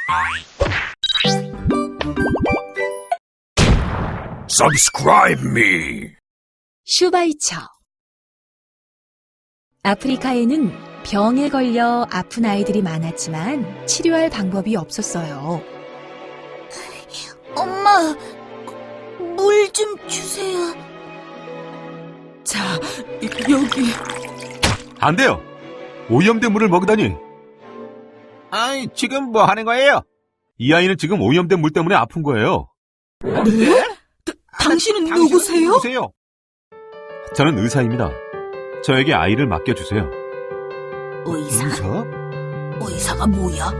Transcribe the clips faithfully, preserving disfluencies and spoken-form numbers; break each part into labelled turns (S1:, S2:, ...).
S1: Subscribe me.
S2: 슈바이처. 아프리카에는 병에 걸려 아픈 아이들이 많았지만 치료할 방법이 없었어요.
S3: 엄마, 물 좀 주세요.
S2: 자, 여기.
S4: 안 돼요. 오염된 물을 먹다니.
S5: 아이, 지금 뭐 하는 거예요?
S4: 이 아이는 지금 오염된 물 때문에 아픈 거예요.
S2: 네? 당신은 누구세요?
S5: 누구세요?
S4: 저는 의사입니다. 저에게 아이를 맡겨주세요.
S3: 의사?
S4: 의사?
S3: 의사가 뭐야?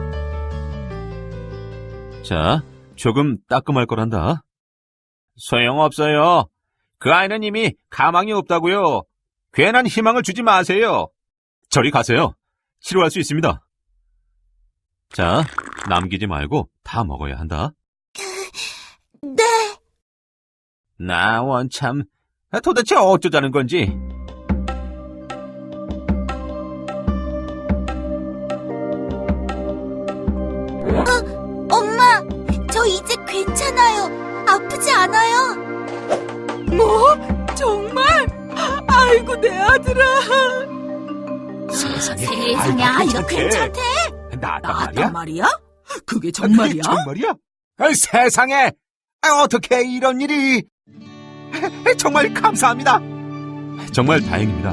S4: 자, 조금 따끔할 거란다.
S5: 소용없어요. 그 아이는 이미 가망이 없다고요. 괜한 희망을 주지 마세요.
S4: 저리 가세요. 치료할 수 있습니다. 자, 남기지 말고 다 먹어야 한다.
S3: 네.
S5: 나 원참 도대체 어쩌자는 건지.
S3: 엄마, 저 이제 괜찮아요. 아프지 않아요.
S2: 뭐? 정말? 아이고, 내 아들아.
S5: 세상에,
S3: 세상에,
S5: 아이가
S3: 아이가 괜찮대.
S5: 나았단 말이야?
S3: 나았단 말이야?
S2: 그게
S5: 그게 정말이야? 아이, 세상에, 아, 어떻게 이런 일이? 정말 감사합니다.
S4: 정말 다행입니다.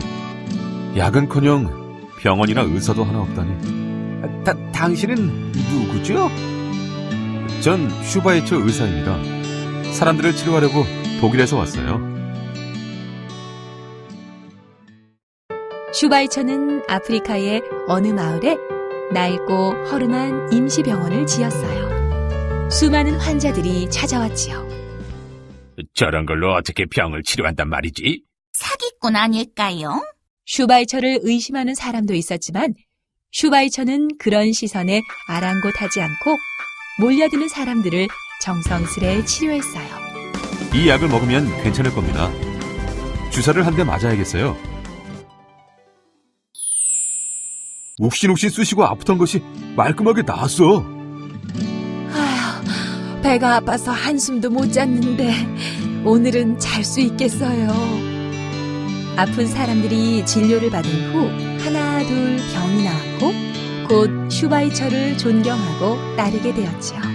S4: 약은커녕 병원이나 의사도 하나 없다니.
S5: 다, 당신은 누구죠?
S4: 전 슈바이처 의사입니다. 사람들을 치료하려고 독일에서 왔어요.
S2: 슈바이처는 아프리카의 어느 마을에 낡고 허름한 임시병원을 지었어요. 수많은 환자들이 찾아왔지요.
S5: 저런 걸로 어떻게 병을 치료한단 말이지?
S3: 사기꾼 아닐까요?
S2: 슈바이처를 의심하는 사람도 있었지만 슈바이처는 그런 시선에 아랑곳하지 않고 몰려드는 사람들을 정성스레 치료했어요.
S4: 이 약을 먹으면 괜찮을 겁니다. 주사를 한 대 맞아야겠어요. 욱신욱신 쑤시고 아프던 것이 말끔하게 나았어.
S2: 아휴, 배가 아파서 한숨도 못 잤는데 오늘은 잘 수 있겠어요. 아픈 사람들이 진료를 받은 후 하나 둘 병이 나았고 곧 슈바이처를 존경하고 따르게 되었지요.